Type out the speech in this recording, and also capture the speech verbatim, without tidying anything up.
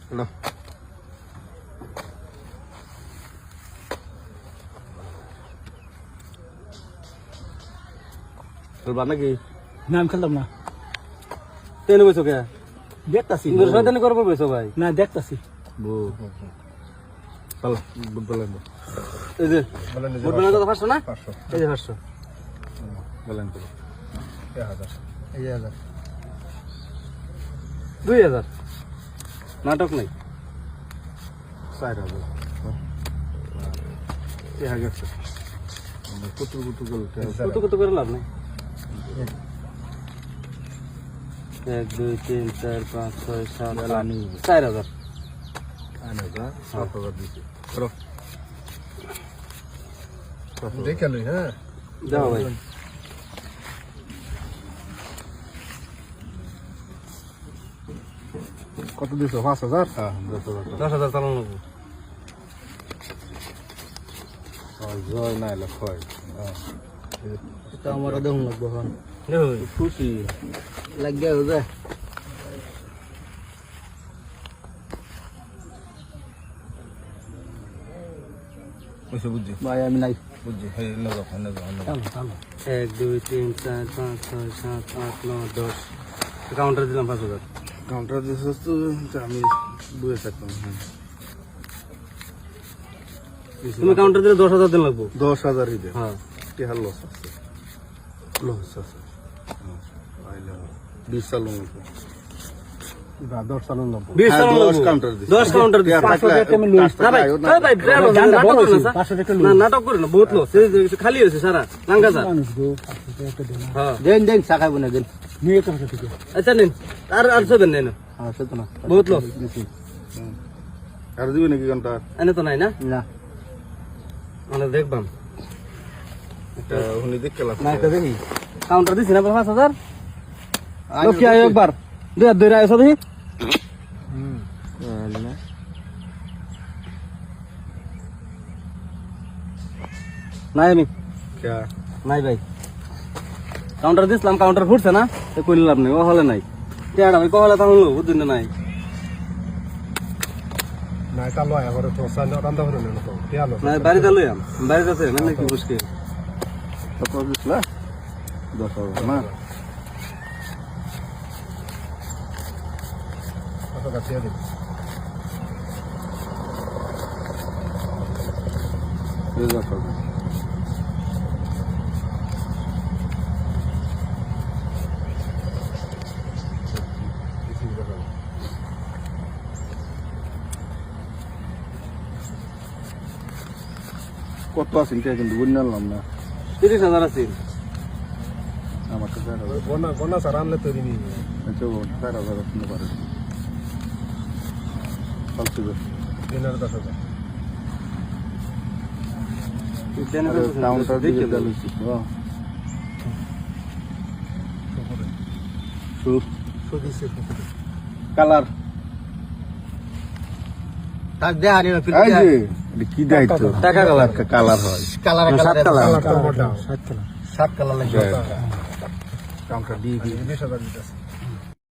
না খেলবা নাকি? না আমি খেলতাম না, তেনে বইছো কে? দেখতাছি। শয়তানি করবো বইছো ভাই? না দেখতাছি। চলো বুট বলেন এই যে বুট বলেন তো পাঁচশো না? এই যে পাঁচশো বলেন তো এই যে হাজার দুই হাজার নাটক নাই চার হাজার এই হাজার কুতু কুতু কুতু কুতু করে লাভ নাই। এক দুই তিন চার পাঁচ ছয় সাত আট চার হাজার সাত হাজার দিচ্ছি দেখে লই। হ্যাঁ যাও ভাই কত দিছো? পাঁচ হাজার। হ্যাঁ দশ হাজার চালানো লাগবো। জয় না এলে খয় আমার দেখুন লাগবো এখন খুশি লাগিয়ে যায়। বুঝছি ভাই আমি নাই বুঝছি এক দুই তিন চার পাঁচ ছয় সাত আট নয় দশ কাউন্টার দিলাম পাঁচ হাজার। কাউন্টার দিয়েছিস তো আমি বুঝে থাকতাম। হ্যাঁ তুমি কাউন্টার দিলে দশ হাজার দিন লাগবো। দশ হাজার দিতে হ্যাঁ টিহার লস আছে লস আছে বিশ চালু দশ চালু লাগবো বিশ চালু দশ কাউন্টার দশ কাউন্টার নাটক করে না বহুত লস খালি হয়েছে সারা লাঙ্গা স্যার। দেন দেন চা খাইব না দেন নিয়ে তো ঠিক আছে। আচ্ছা নিন আর আর ছবেন নেন হ্যাঁ সে তো না বহুত লস আর দিবি নাকি ঘন্টা এনে তো নাই না না মানে দেখবাম এটা উনি দেখ খেলা না এটা দেখি কাউন্টার দিছি না পাঁচ হাজার লক্ষ্মী আয় একবার দুই হাত ধরে আয়সো দেখি। নাই আমি নাই ভাই কাউন্টার দিছিলাম কাউন্টার ফুটছে না কইলে লাভ নেই ও হলে নাই টেয়ার আমি কহলে তখন বুঝুন নাই নাই তা লয় আবার তো সাইন রান্দা হলো না তো তেয়ালো নাই বাড়িতে লই আম বাড়িতে আছে মানে কি মুশকিল কত দিছলা দশ হাজার না কত কাছে দিই দুই হাজার টাকা কত আছে কিন্তু বুঝে নিলাম না তিরিশ হাজার আছে আমার তো চার হাজার বনা বনা সার আনলে তৈরি নি আচ্ছা চার হাজার শুনতে পারে ফালতু দিনের দশ হাজার কাউন্টার দিকে দিয়েছি সুদিছে কালার থাক দে আরে ফির এই যে এটা কি দাইতো টাকা কালার কালার হয় কালার সাত কালার কালার তো মোটা সাত কালার সাত কালার লাগে কাউন্টার দিয়ে বিশ হাজার দিতেছে